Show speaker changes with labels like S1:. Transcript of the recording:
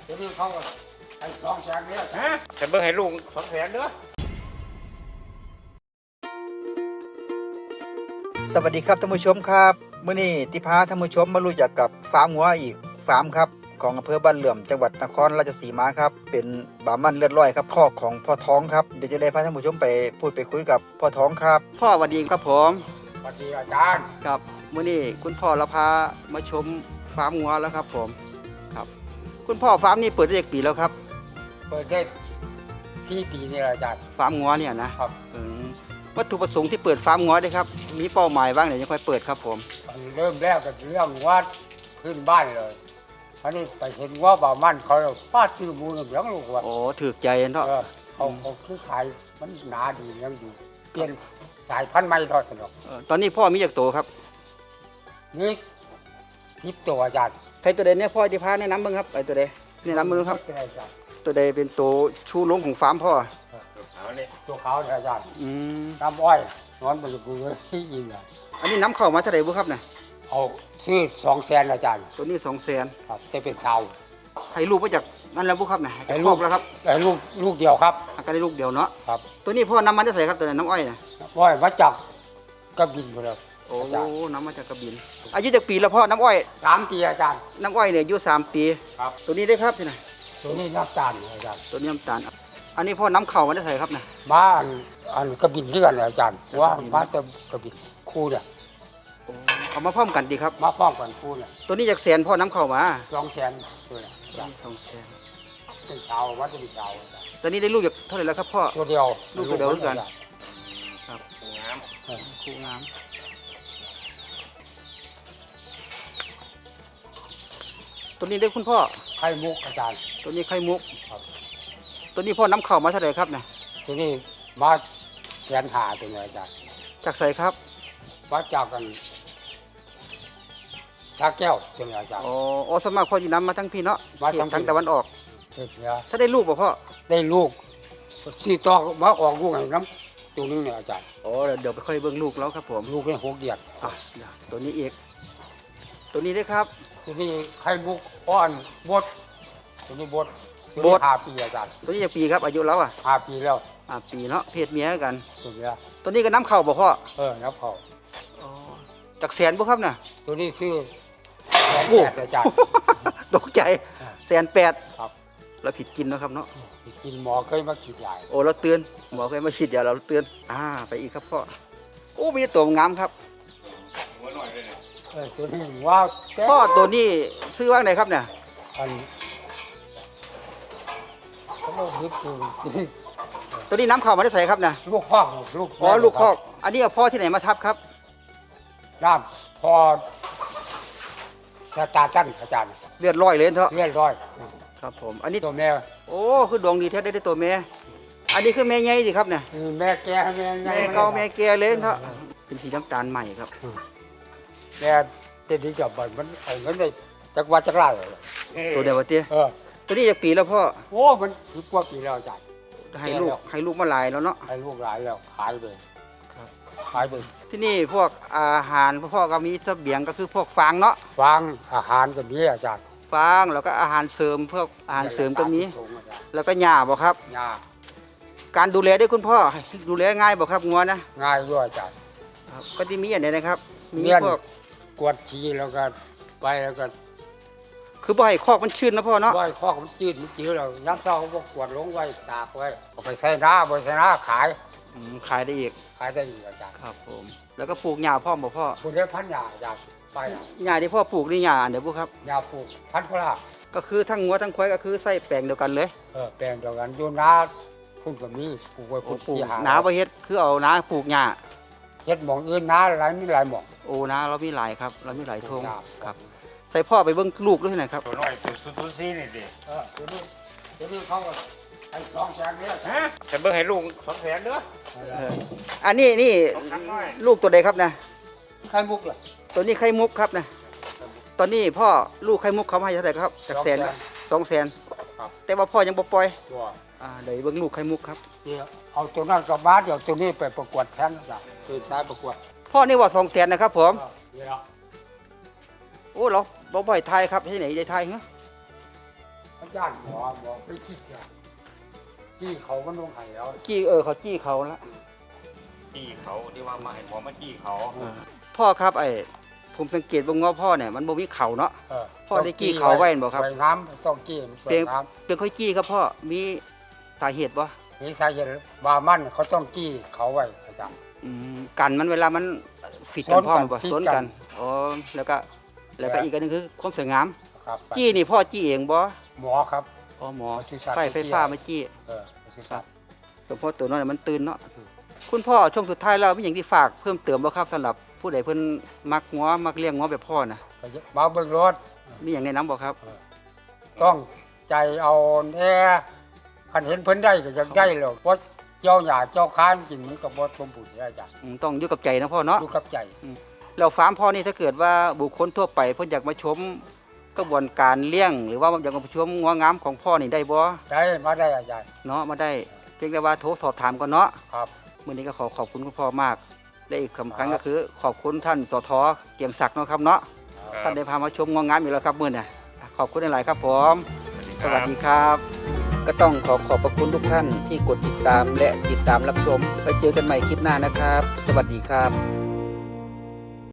S1: เดี๋ยวนี้เขาให้200,000เนี่ยแต่เบิ่งให้ลุง200,000เด้อ
S2: สวัสดีครับท่านผู้ชมครับมื้อนี้ที่พาท่านผู้ชมมารู้จักกับฟาร์มวัวอีกฟาร์มครับของอำเภอบ้านเหลื่อมจังหวัดนครราชสีมาครับเป็นบามันเลือดร้อยครับคอกของพ่อท้องครับเดี๋ยวจะได้พาท่านผู้ชมไปพูดไปคุยกับพ่อท้องครับพ่อสวัสดีครับผม
S1: สวัสดีอาจารย์
S2: ครับมื้อนี้คุณพ่อเราพามาชมฟาร์มวัวแล้วครับผมครับคุณพ่อฟาร์มนี้เปิดได้กี่ปีแล้วครับ
S1: เปิดได้4 ปีนี่แหละอาจารย์
S2: ฟาร์มวัวเนี่ยนะครับวัตถุประสงค์ที่เปิดฟาร์มวัวด้วยครับมีเป้าหมายบ้างเดี๋ยวจะค่อยเปิดครับผม
S1: เริ่มแรกก็เรื่องวัดขึ้นบ้านเลยอันนี้ไปเห็นว่าบ่ามันเขาป้าซื้อหมูเนี่ยเลี้ยงลูกว่า
S2: โอ้ถือใจเนาะ
S1: เขาคือขายมันหนาดียังดีเปลี่ยนสายพันธุ์ใหม่ทอดสนุก
S2: ตอนนี้พ่อมีจากโตครับ
S1: นี่10 ตัวอาจารย์
S2: ใครตัวใดเนี่ยพ่อจะพาแนะนำบ้างครับไอ้ตัวใดแนะนำบ้างครับ
S1: เป็นอาจารย์
S2: ตัวใดเป็นตัวชูโรงของฟาร์มพ่อ
S1: ตัวขาวเนี่ยอาจารย์
S2: อืม
S1: น้ำอ้อยนอนบนกูเลยยิงเลย
S2: อันนี้น้ำเข้ามาเท่าไหร่บุครับเนี่ย
S1: เอาซื้อ200,000อาจารย์
S2: ตัวนี้200,000
S1: ครับจะเป็นชาว
S2: ให้ลูกมาจากนั่นแล้วบุครับเนี่ย
S1: ให้
S2: จาก
S1: ลู
S2: ลู
S1: ก
S2: กแล้วครับ
S1: แต่ลูกเดียวครับ
S2: อาการได้ลูกเดียวเนาะ
S1: ครับ
S2: ตัวนี้พ่อนำมาได้ใส่ครับตัวไหนน้ำอ้อยเนี่ย
S1: อ้อยมาจากกระบินหมดเลย
S2: โอ้
S1: อาจารย์
S2: น้ำมาจากกระบินอายุจากปีแล้วพ่อน้ำอ้อย
S1: 3 ปีอาจารย์
S2: น้ำอ้อยเนี่ยอายุ3 ปี
S1: ครับ
S2: ตัวนี้ได้ครับที่ไหน
S1: ตัวนี้น้ำตาลอาจารย์
S2: ตัวนี้น้ำตาลอันนี้พ่อน้ำเข่ามาได้ใส่ครับเนี่ย
S1: มาอันกระบินเลื่อนเลยอาจารย์ว่ามาจะกระบินคู่เนี่ย
S2: เอามาพร้อมกันดีครับ
S1: มาป้องกันคู่เนี่ย
S2: ตัวนี้จากแสนพ่อน้ำเข่ามา
S1: 200,000ตัวเนี่ยอาจารย์
S2: 200,000
S1: เป็นชาววัดจะเป็นชาวอาจารย์
S2: ตัวนี้ได้ลูกจากเท่าไหร่แล้วครับพ่อ
S1: ตัวเดียว
S2: ลูกตัวเดียวเหมือนกัน
S1: ครับ
S2: คู่งามตัวนี้ได้คุณพ่อ
S1: ไข่มุกอาจารย์
S2: ตัวนี้ไข่มุก
S1: ครับ
S2: ตัวนี้พ่อน้ำเข่ามาเท่าไหร่ครับเนี่ย
S1: ตัวนี้มา150,000ตัวเนี่ยอาจารย์
S2: จากใส่ครับ
S1: มาจากกันชาแก้วตัวเนี่ยอาจารย์
S2: อ๋อสวนมัครพ่อจีน้ำมาทั้งพี่เนาะ
S1: มาทั้งพี่
S2: ทางตะวันออก
S1: เฮ็ดเนี่ย
S2: ถ้าได้ลูกบ่พ่อ
S1: ได้ลูกสี่ตัวมาออกลูกให้น้ำตัวนึงเนี่ยอาจารย์
S2: อ๋อเดี๋ยวไปค่อยเบิ่งลูกแล้วครับผม
S1: ลูกได้6 เดือน
S2: อ่ะเดี๋ยวตัวนี้อีกตัวนี้ได้ครับ
S1: ตัวนี้ไข่มุกอ่อนบดตัวนี้บดตัว
S2: บ
S1: นี้
S2: ด
S1: 5 ปีอาจารย์
S2: ตัวนี้จากปีครับอายุแล้วอ่ะ
S1: 5 ปีแล้ว
S2: ปีเนาะเพศเมียกัน
S1: ตัวเนี้ย
S2: ตัวนี้ก็น้ำเข่าบ่พ่อ
S1: น้ำเขา
S2: จากแสนบ่ครับน่ะ
S1: ตัวนี้ซื้อ
S2: โอ้
S1: 180,000อาจารย์
S2: ตกใจ180,000
S1: ครับ
S2: เราผิดกินเนาะครับเนาะ
S1: กินหมอเคยมาฉีดยา
S2: โอ้เราเตือนหมอเคยมาฉีดยาเราเตือนไปอีกครับพ่อโอ้มีตัวงามครับ
S1: ตัวนี้ว่าแก้
S2: พ่อตัวนี้ซื้อว่างไหนครับเนี่ย
S1: อันเขาบอกดึกซื้อ
S2: ตัวนี้น้ำเข่ามาได้ใส่ครับเนี่ย
S1: ลูกคอกลูก
S2: อ๋อลูกคอกอันนี้เอาพ่อที่ไหนมาทับครับ
S1: น้ำพอสตาร์จันอาจารย์
S2: เลือดร้อยเลยเถอะ
S1: เรียบร้อย
S2: ครับผมอันนี้
S1: ตัวแม่
S2: โอ้คือดวงดีแท้ได้ตัวแม่อันนี้คือแม่ใหญ่สิครับเนี่ย
S1: แม่แก่แม่ใหญ่
S2: แม่เก่าแม่แก่เลยเถอะเป็นสีน้ำตาลใหม่ครับ
S1: แม่เต็มที่กับมันเอาเงินได้จักว่าจักไรเลย
S2: ตัวเดียววะเตี้ย
S1: เ
S2: ตัวนี้จากปีแล้วพ่อ
S1: โอ้มัน10 กว่าปีแล้วอาจารย์
S2: ให้ลูกมาหลายแล้วเนาะ
S1: ให้ลูกหลายแล้วขายไป
S2: ครับ
S1: ขายไป
S2: ที่นี่พวกอาหารพ่อก็มีเสบียงก็คือพวกฟางเนาะ
S1: ฟางอาหารก็มีอาจารย์
S2: ฟางแล้วก็อาหารเสริมพวกอาหารเสริมก็มี
S1: ถุงอาจารย์
S2: แล้วก็หญ้าบ่ครับ
S1: ยา
S2: การดูแลด้วยคุณพ่อดูแลง่ายบ่ครับงัวนะ
S1: ง่ายด้วยอาจารย์
S2: ครับก็ที่มีอันไหนนะครับมี
S1: เมียน
S2: พวก
S1: กวดชีแล้วก็ไปแล้วก็
S2: คือบ่ให้คอกมันชื้นนะพ่อเนาะ
S1: ไว้ข้อมันจืดมันจืดแล้วย้ำเช้าเขาก็กวดลงไว้ตากไว้เอาไปใส่หน้าไปใส่หน้าขาย
S2: ขายได้อีก
S1: ขายได้อีกอาจารย์
S2: ครับผมแล้วก็ปลูกหญ้าพร้อมบ่พ่อ
S1: คุณได้พันยาอาจารย์ไป
S2: หญ้าที่พ่อปลูกนี่หญ้าอันเดียวบ่ครับ
S1: ยาปลูกพันพลา
S2: ก็คือทั้งงัวทั้งควายก็คือใส่แปลงเดียวกันเลย
S1: แปลงเดียวกันอยู่นาพุ่นกับมีปลูกไว้
S2: โอ้
S1: พุ่น
S2: ปลูก
S1: ที่หา
S2: นาบ่เฮ็ดคือเอานาปลูกหญ้า
S1: เฮ็ดหมองอื่นนาหลายมีหลายหมอง
S2: โอ้นาเรามีหลายครับเรามีหลายทง
S1: ค
S2: ค
S1: รั
S2: รับ บใส่พ่อไปเบิ่งลูกด้วยหน่อยครับ
S3: ตัวน้อยตัวซีนี่ดิ
S1: ตัวนี้เขาก็ให้200,000เนี่ย
S3: แต่เบิ่งให้ลุง200,000เด้อ
S2: อันนี้นี่
S3: 2,000น้อย
S2: ลูกตัวใดครับนะ
S1: ไข่มุกล่ะ
S2: ตัวนี้ไข่มุกครับนะตอนนี้พ่อลูกไข่มุกเขามาให้เท่าไหร่ครับจากแสน200,000
S1: ครับ
S2: แต่ว่าพ่อยังบ่ปล่อย
S1: ตัว
S2: เดี๋ยวเบิ่งลูกไข่มุกครับ
S1: เดี๋ยวเอาตัวนั้นกลับบ้านเดี๋ยวตัวนี้ไปประกวดแทนอาจารย์ตื่นสายประกวด
S2: พ่อนี่ว่า200,000นะครับผม
S1: เดี๋ยว
S2: โอ้เราบ่บ่อยทายครับที่ไหนได้ทายเหรอ
S1: อาจารย์หมอไปคิดเนี่ยที่เขามันลงไห้แล้ว
S2: จี้เขาจี้เขาละ
S3: จี้เขาที่ว่ามาให้ผมมาจี้เขา
S2: พ่อครับผมสังเกตว่าง้อพ่อเนี่ยมันบ่มีเขาเนาะ
S1: เออ
S2: พ่อได้กี้เขาไว้บ่ครับ
S1: สวยงามต้องกี้มันสวยงาม
S2: เป็นค่อยจี้ครับพ่อมีสาเหตุบ่
S1: มีสาเหตุบามันเขาต้องกี้เขาไว้อาจารย์
S2: กันมันเวลามันฟิดกันพ่อมันบ่
S1: ส
S2: ส
S1: น
S2: น
S1: กั
S2: กัน นอ๋อแล้วก็อีกอันหนึงคือความสวยงาม
S1: ครับ
S2: จี้นี่พ่อจี้เองบ่
S1: หมอครับ
S2: อ๋อหมอ
S1: ปศุสัตว์
S2: ไฟฟ้ามาจี้
S1: ปศุสัตว์
S2: สมพติตัวน้อยมันตื่นเนาะคุณพ่อช่วงสุดท้ายแล้วมีอย่างที่ฝากเพิ่มเติมบ่ครับสำหรับผู้ใดเพิ่นมักงัวมักเลี้ยงงัวแบบพ่อนะ
S1: ก็มาเบิ่งรถ
S2: มีอย่างแนะนำบ่ครับ
S1: ต้องใจเอาแน่คันเห็นเพิ่นได้ก็อยากได้หรอกเพราะเจ้าหญ้าเจ้าค้านกินมันก็บ่สมบูรณ์อาจารย์
S2: ต้องอยู่กับใจนะพ่อเนาะ
S1: อยู่กับใจ
S2: แล้วฟาร์มพ่อนี่ถ้าเกิดว่าบุคคลทั่วไปเพิ่นอยากมาชมกระบวนการเลี้ยง หรือว่าอยากมาชมงัวงามของพ่อนี่ได้บ่
S1: ได้มาได้อาจารย์
S2: เนาะมาได้เพียงแต่ว่าโทรสอบถามก่อนเนาะ
S1: ครับ
S2: มื้อนี้ก็ขอบคุณคุณพ่อมากและอีกสำคัญก็คือขอบคุณท่านสทเกียงศักดิ์เนาะครับเนาะท่านได้พามาชมงัวงามอีกแล้วครับมื้อนี้ขอบคุณหลายๆครับผมสวัสดีครับ ก็ต้องขอบพระคุณทุกท่านที่กดติดตามและติดตามรับชมไปเจอกันใหม่คลิปหน้านะครับ สวัสดีครับ